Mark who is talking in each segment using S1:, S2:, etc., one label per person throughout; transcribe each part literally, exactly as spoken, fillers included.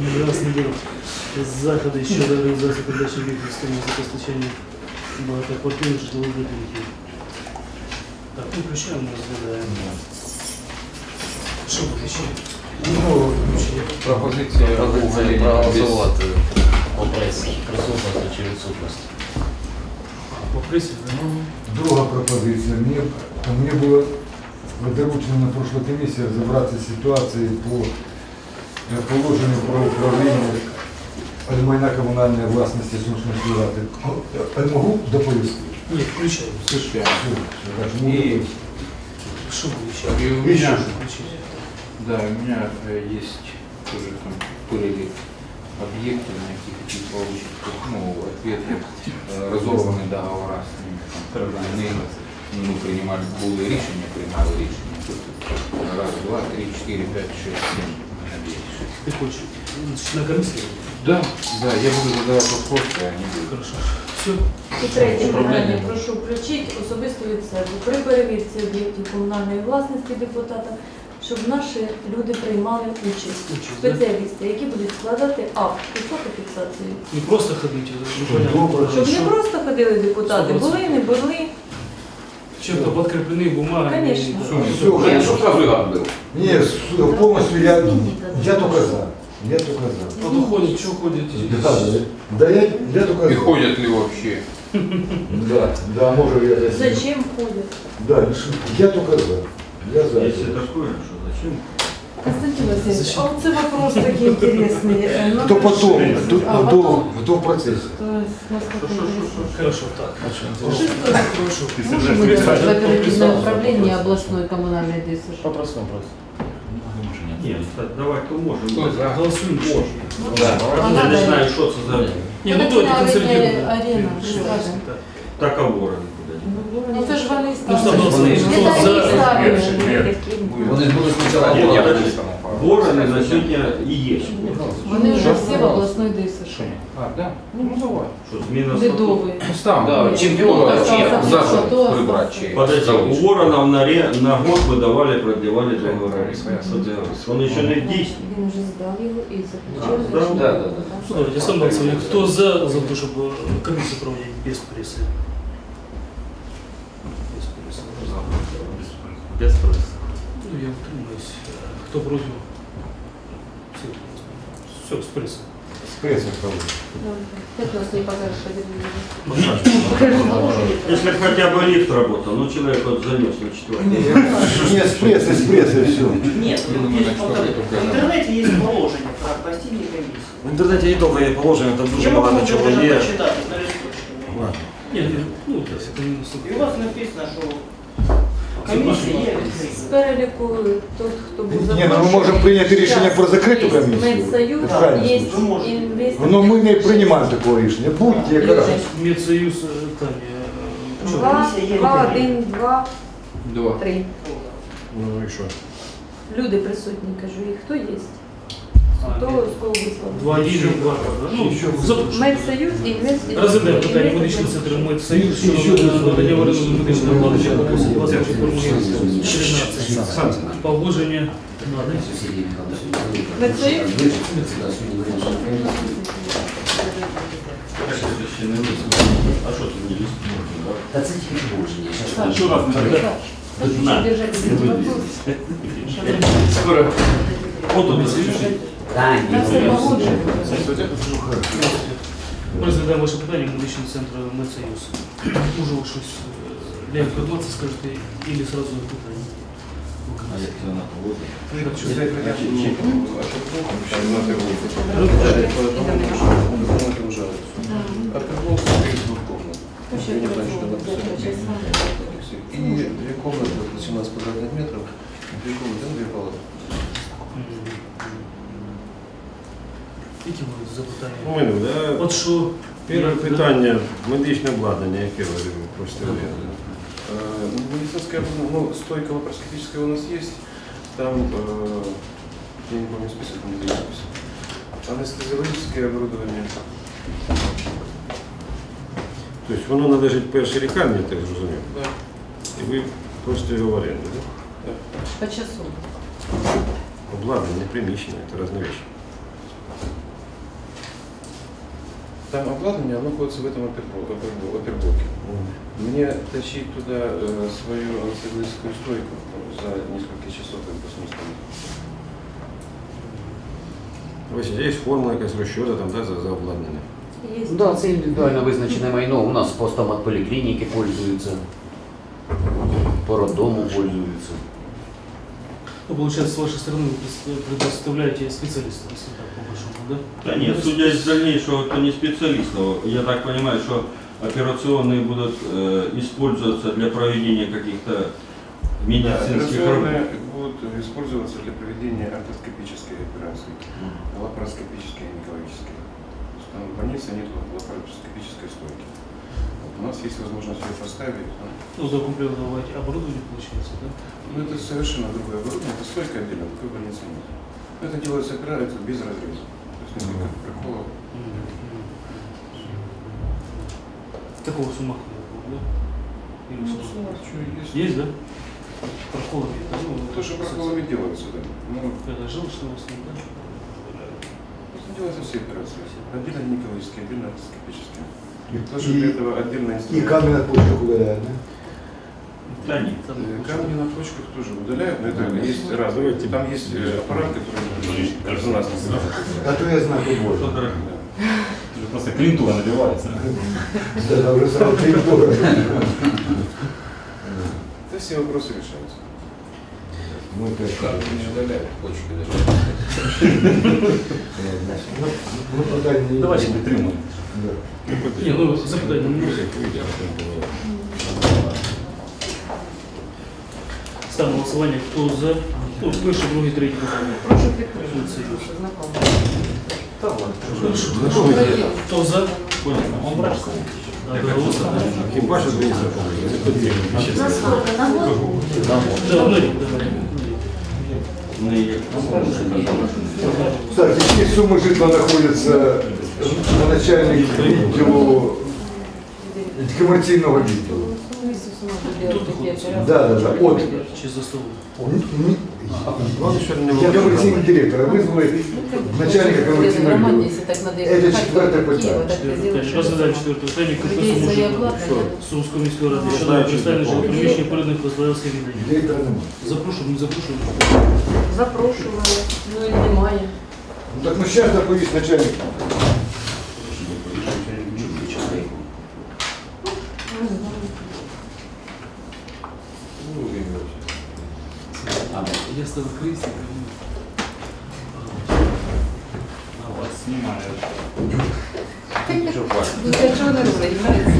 S1: Негласний день. Заходи щодо організації передачі системи забезпечення багатоквартирних житлових будинків. Так, ну включаємо, розглядаємо. Що буде ще? Ну,
S2: пропозиція проголосувати по пресі. Присутності чи відсутності.
S1: По пресі?
S3: Друга пропозиція. Мне, мне было доручено на прошлой комиссии разобраться с ситуацией по положению про управление майна коммунальной властности Сумской рады. Я могу доповести?
S1: Нет, включаем.
S2: Слушай,
S1: И что
S2: и у
S1: включать?
S2: меня, да, у меня есть тоже там были объекты, на каких хотим получить, ну, ответы, разорванные договора с ними, там, мы, мы принимали, были решения, принимали решения. Раз, два, три, четыре, пять, шесть, семь, надеюсь.
S1: Ты хочешь на комиссии?
S2: Да, да, я буду задавать вопросы, а они будут.
S1: Хорошо. Все.
S4: І третє питання, прошу включити особисто від себе. При перевірці об'єктів комунальної власності депутата, щоб наші люди приймали участь.
S1: Участь,
S4: Спеціалісти, які будуть складати акт і фотофіксацію.
S1: Не просто ходить, непонятно.
S4: Щоб не просто ходили депутати, були, не були.
S1: Чем-то подкреплены бумагами.
S4: Конечно.
S3: Все,
S2: Нет, чтобы сразу гад был.
S3: Нет, полностью я, я только за. Я только за.
S1: Вот уходит, что ходит?
S3: Да, да, я, я только
S2: И
S3: за.
S2: ходят ли вообще?
S3: Да, да, может я...
S4: Зачем ходять?
S3: Да, я только за. Я за.
S5: Если такое, что зачем?
S4: Константин Васильевич, а вот это вопрос такой интересный.
S3: Кто потом, кто,
S4: А
S3: кто,
S4: потом?
S3: кто в процессе.
S4: То есть, насколько интересно.
S1: Хорошо, так.
S4: Шестой.
S1: Хорошо.
S6: Можно будет оперативное управление областной коммунальной ДСЖ?
S2: По простому просто.
S5: Нет, давай-то можем.
S2: Кто за?
S1: Голосуем.
S2: Да.
S5: Я не знаю, что это за
S1: Не, ну давайте консолидируем.
S6: Арена.
S5: договор.
S6: Ну це ж вони
S1: Ну,
S6: ставили.
S1: что голосуем? Кто
S4: Это
S1: за?
S4: они ставили.
S2: Вони були спочатку.
S5: Ні,
S2: Я
S5: подожди.
S2: написано.
S5: Вороны на сегодня и есть.
S6: Вони вже всі в обласної ДСЖ.
S2: А, да? Ну, давай.
S5: Что, смена
S6: Ледовий.
S2: Ну, став, да, чемпіон вообще зажил прибрать через.
S5: Подожди, у Воронов на, ре, на год выдавали, продлевали договора.
S2: Своя
S5: Что делать? Он еще не в действии.
S4: Він вже здав його і
S5: А,
S4: заключив.
S5: здав?
S2: Да, да, да.
S1: Ну, давайте сам голосуем. Кто за, за то, чтобы комиссию проводить без прессы? Без прессы.
S5: Без спроса.
S1: Ну, я утримаюсь. Кто против? Все, все, с прессой.
S3: С прессой проводит.
S4: Как нас не покажешь, что
S5: Если бы хотя бы лифт работал, ну человек вот занес на четвертый.
S3: Нет, с прессой, с прессой все.
S7: Нет,
S2: Я думаю,
S7: есть
S2: на что
S7: вот-
S2: это
S7: в интернете есть положение про постельные комиссии.
S8: В интернете не только є положення, там дуже
S7: Я могу
S8: багато чого
S7: даже
S8: є.
S7: почитать на листочке.
S1: Нет, нет, ну, то есть это не
S7: И
S1: настолько.
S7: у вас написано, что комиссия є відкрита.
S4: З переліку тот, хто був
S3: Не, ну мы можем принять решение про закрытую комиссию.
S4: Медсоюз,
S3: Это правильно.
S4: є
S7: Ви можете.
S4: інвестор.
S3: Но мы не принимаем такого решения. Будьте как раз.
S1: Медсоюз, э, Таня, э, чё?
S4: Два, два, один, два,
S2: Два.
S4: три.
S8: Ну і що?
S4: Люди присутні, кажу, і хто є?
S1: А,
S4: Хто
S1: нет.
S4: з кого висловив?
S1: Два, один, два, да? Ну, запрошую.
S4: Медсоюз і інвестор.
S1: Розглядаємо питання медичного центру Медсоюз щодо надання в оренду медичної обладнання по двадцять чотирнадцять. Погодження.
S4: Медсоюз?
S5: А что ты не лист?
S2: Та це тільки погодження.
S4: Так.
S5: Еще раз
S4: Так. Хочу держать этот вопрос.
S5: Скоро. Вот он.
S2: Та,
S4: На все погоджено.
S1: Ми розглядаємо ваше питання медичного центру Медсоюз. Може ви щось для інформації скажете, або сразу питання?
S5: А як це на погоду?
S1: Так, що?
S4: Ще
S9: И две комнаты, восемнадцать квадратных метров, две комнаты, ну, две палаты.
S1: Які будуть запитання?
S8: У мене, да?
S1: От що?
S8: Перше
S1: як-
S8: питання, медичне обладнання, яке ви хочете ввести?
S9: Э, Медицинская, ну, стойка лапароскопическая у нас есть. Там, э, я не помню список, не знаю список. Анестезиологическое оборудование.
S8: Тобто воно належить першій лікарні, я так зрозумів?
S9: Да.
S8: І ви хочете його в оренду, так?
S4: По часу.
S8: Обладнання, приміщення, це різні речі.
S9: Там обладнание, оно находится в этом оперблоке. оперблоке. Мне тащить туда э, свою антициклическую стойку за несколько часов, как бы смысла нет.
S8: Ось є формула якась розчота там, да, за, за обладнання.
S4: Є.
S7: Да, це індивідуально визначене майно. У нас по стомат поліклініки пользуються, по роддому пользуються.
S1: Ну, получается, с вашей стороны вы предоставляете специалистов, если так, по большому, да?
S5: Да нет, судя из дальнейшего, это не специалистов. Я так понимаю, что операционные будут э, использоваться для проведения каких-то медицинских
S9: Операционные
S5: работ.
S9: будут использоваться для проведения ортоскопической операции, лапароскопической и гинекологической. Там в больнице нет лапароскопической стойки. Вот у нас есть возможность ее поставить.
S1: Ну, закомплектовать оборудование, получается, да?
S9: Ну, это совершенно другое оборудование, это стойка отдельно, такой больницы нет. Но это делается операция без разреза. То есть несколько проколов.
S1: Такого с ума да? Или с ума?
S9: Что есть?
S1: Есть, да? Проколами, да? Ну,
S9: То, что проколами делается, да. Ну,
S1: это желчного основа, да?
S9: делаются все операции. Отдельно гинекологические, отдельно ортоскопические.
S3: И,
S9: Тоже для этого отдельно
S3: и
S9: инструмент.
S3: камень на почках удаляют, да?
S5: Да нет.
S1: Там,
S9: Э, Камни на почках тоже удаляют, но это есть разные. Там есть э, аппарат, который резонансный.
S3: А то я знаю, как можно.
S5: Что дорого?
S10: Просто клиентура набивается.
S3: Да, уже сразу клиентура.
S9: Это все вопросы решаются.
S3: Ну, это
S2: Как не удаляют почки даже.
S3: ну, пока не...
S10: Давайте підтримуємо.
S3: Да.
S1: Не, ну, запитання не може. Ставимо голосування, хто за, ну, перший, другий, третій питання.
S6: Прошу підтримати. Знакомо.
S1: Хто за?
S8: Хіба що дві
S1: Да, ну,
S5: Ну, и-
S3: Кстати, какие суммы житла находятся на начальник відділу комерційного відділу? Да, да, да. От.
S1: Чи за столом?
S3: Ні- ні. Я комерційний директор, а визвали начальника комерційного відділу. Это четвертое питання.
S1: Розглядаємо четверте питання. Конкурсу мужика Сумської міської ради щодо представлення жилого приміщення переданих господарське віддання.
S3: Директора немає.
S1: Запрошуємо, не запрошуємо.
S4: Запрошували, ну і немає.
S3: Ну так ну сейчас доповість начальник.
S1: Я став крестиком.
S10: А вас знімають.
S6: Для чого не робить?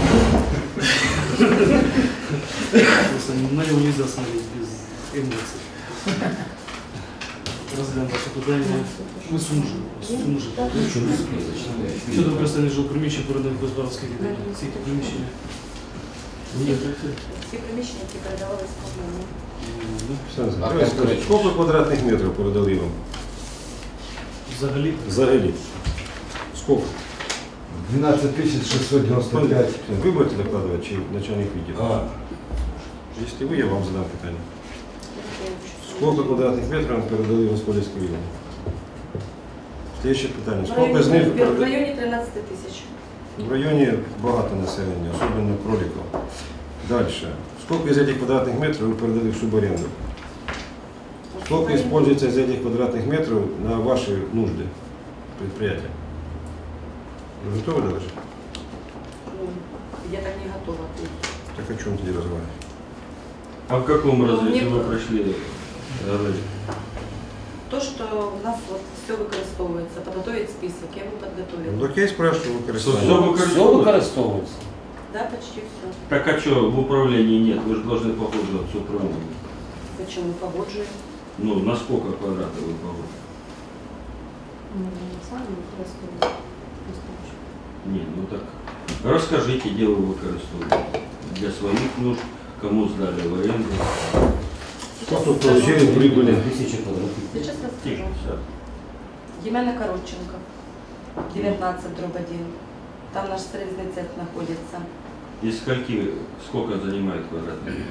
S1: Просто на него нельзя смотреть без эмоций. Розглянемо ваше питання. Ми сумжили. Сумжили. Щодо використання жилого приміщення переданих господарських віддання. Ці приміщення. Ні,
S4: Всі приміщення, які передавалися комунальні.
S8: Скільки квадратних метрів передали вам?
S1: Взагалі.
S8: Взагалі. Скільки?
S3: двенадцать тысяч шестьсот девяносто пять.
S8: Ви будете докладувати, чи начальник відділу?
S3: А,
S8: Якщо ви, я вам задам питання. Сколько квадратных метров передали в господарське відділення? Слідче питання.
S4: В
S8: Сколько з них
S4: районі, в
S8: передали?
S4: районі тринадцять тисяч.
S8: В районе багато населения, особенно кроликов. Дальше. Сколько из этих квадратных метров вы передали в субаренду? Сколько используется из этих квадратных метров на ваши нужды предприятия? Вы готовы доложить?
S4: Ну, я так не готова.
S8: Так о чем тебе разговаривать?
S5: А в каком
S4: Ну,
S5: разрезе
S4: мне-
S5: вы прошли? э,
S4: То, що в нас от все використовується, підготовити список, я його підготовила.
S8: Ну, так я и спрашиваю, вы
S5: Все
S8: користуетесь.
S10: Все
S5: выкористовывают?
S10: використовується.
S4: Да, почти все.
S5: Так а что, в управлении нет? Вы же должны погодживаться управлением.
S4: Зачем ми погоджуємо?
S5: Ну, на сколько квадратов вы погоджуете?
S4: Ми самі використовуємо.
S5: Не, ну так расскажите, где вы выкористовываете. Для своих нужд, кому сдали в аренду.
S8: Сколько получили прибыли?
S10: Тисячі квадратів.
S4: Сейчас
S5: Тихо,
S4: расскажу.
S5: все.
S4: Ємена Коротченко, девятнадцать дробь один. Там наш срезный цех находится.
S5: Из скольки, сколько занимает квадратный метр?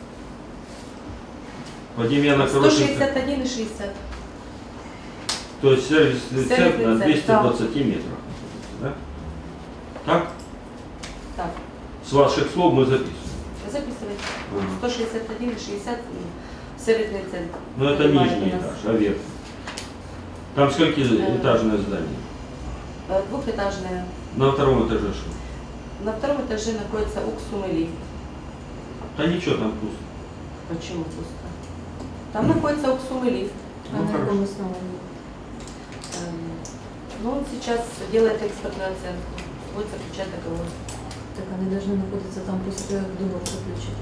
S5: По Демьяна
S4: сто
S5: Корошенко.
S4: шестьдесят один и шестьдесят.
S5: То есть сервисный цех
S4: Сервисный
S5: на
S4: цех,
S5: двести двадцать метров. Да? Так?
S11: Так,
S5: С ваших слов мы записываем.
S11: записывайте.
S5: Ага.
S11: сто шестьдесят один и шестьдесят и сервисный центр.
S5: Ну это нижний этаж, а верх. Там сколько этажное здание?
S11: Э, Двухэтажное.
S5: На втором этаже что?
S11: На втором этаже находится уксум и лифт.
S5: Да ничего, там пусто.
S11: Почему пусто? Там находится уксум и лифт.
S4: А на каком основании?
S11: Эм, Ну, он сейчас делает экспертную оценку. Будет заключать договор.
S4: Так они должны находиться там после того, как договор заключить.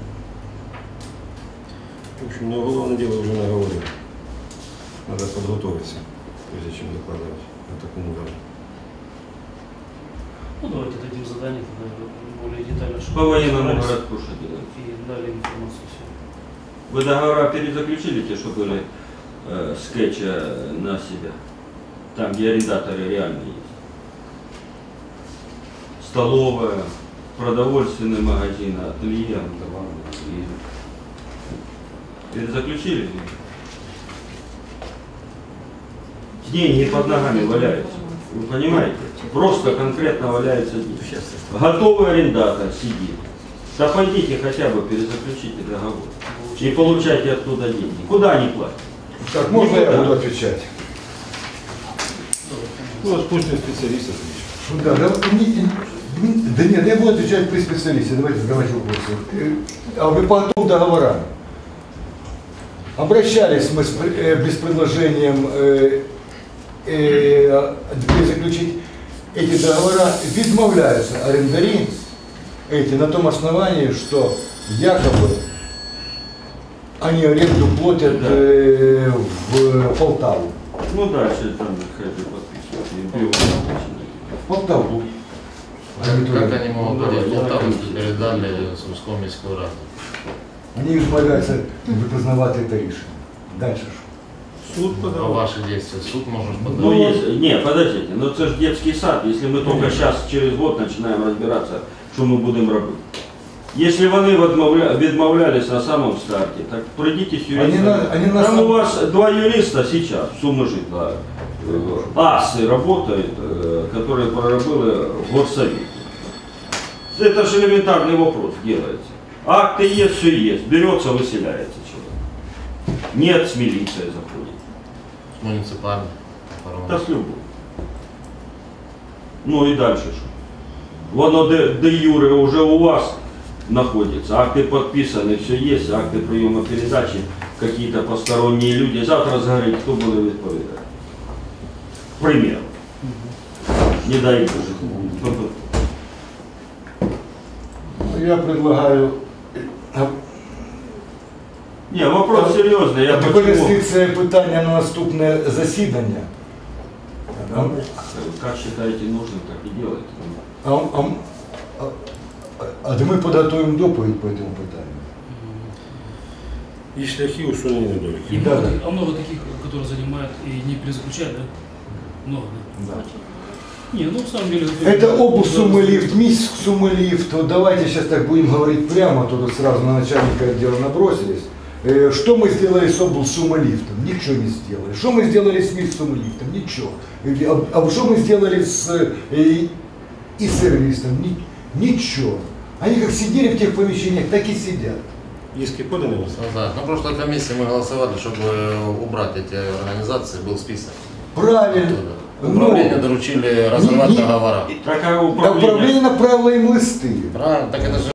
S8: В общем, но уголовное дело уже наговорил. Надо подготовиться, прежде чем докладывать о таком уровне.
S1: Ну, давайте дадим задание тогда более детально, чтобы
S5: По военному
S1: разобрались
S5: городку что делать?
S1: и дали информацию всю.
S5: Вы договора перезаключили те, что были э, скетча на себя? Там, где арендаторы реально есть. Столовая, продовольственный магазин, ателье. Перезаключили? Деньги под ногами валяются. Вы понимаете? Просто конкретно валяются деньги. Готовый арендатор сидит. Да пойдите хотя бы перезаключите договор. И получайте оттуда деньги. Куда они платят?
S3: Так, можно я
S5: Никуда.
S3: буду отвечать?
S8: Ну, вот пусть специалист отвечает.
S3: Да, да, не- не- да нет, я буду отвечать при специалисте. Давайте задавайте вопросы. Э, А вы по двум договорам. Обращались мы с, пр- э, без предложением э, э, заключить эти договора, відмовляются арендари эти на том основании, что якобы они аренду платят
S5: Да.
S3: э, в Полтаву.
S5: Ну дальше там хотите подписывать. И пиво начинать.
S3: В Полтаву.
S12: Как они могут
S5: Ну,
S12: платить
S5: давай,
S12: Полтаву,
S5: я
S12: если передали Сумському міську раду?
S3: Они відмовляються визнавати це рішення. Дальше що?
S8: Суд
S12: А
S8: подал.
S12: ваши действия суд может
S5: Ну,
S12: подать?
S5: есть, не, подождите, но это же детский сад, если мы только сейчас, через год начинаем разбираться, что мы будем робити. Если вони відмовля- відмовлялись на самом старте, так пройдите с
S3: Они
S5: юристами.
S3: на- они на
S5: Там
S3: сам-
S5: у вас два юриста сейчас, Суммажитла, асы работают, э, которые проработали в горсовете. Это же элементарный вопрос делается. Акты есть, все есть, берется, выселяется человек. Нет, с милицией заходит.
S12: Муниципальный.
S5: Да с любым. Ну и дальше что? Воно де, де юре уже у вас находится, акты подписаны, все есть, акты приема передачи, какие-то посторонние люди. Завтра загорит, кто буде відповідати? К примеру. Не дай Боже.
S3: Я предлагаю а,
S5: Не, вопрос серьезный. Я почему?
S3: перенести це питання на наступне засідання. А,
S5: Как считаете нужным, так и делайте.
S3: а, а, а, а де ми підготуємо доповідь по цьому питанню.
S8: И шляхи усунения недоликов.
S1: И
S3: Да,
S1: много,
S3: да.
S1: а много таких, которые занимают и не перезаключают, да? Много, да? Не, ну в самом деле...
S3: Это область Сумы-Лифт, мисс Сумы-Лифт. Вот давайте сейчас так будем говорить прямо, то тут сразу на начальника отдела набросились. Э, Что мы сделали с область Сумы-Лифтом? Ничего не сделали. Что мы сделали с мисс Сумы-Лифтом? Ничего. Э, А а что мы сделали с э, и сервисом? Ни- Ничего. Они как сидели в тех помещениях, так и сидят.
S8: Иски поданы у вас?
S12: На прошлой комиссии мы голосовали, чтобы убрать эти организации, был список.
S3: Правильно.
S12: Оттуда. Управление доручили разорвать
S3: не-
S12: договора.
S5: Такая
S3: А
S5: управление.
S3: управление направило им листы.
S12: Правильно, так это же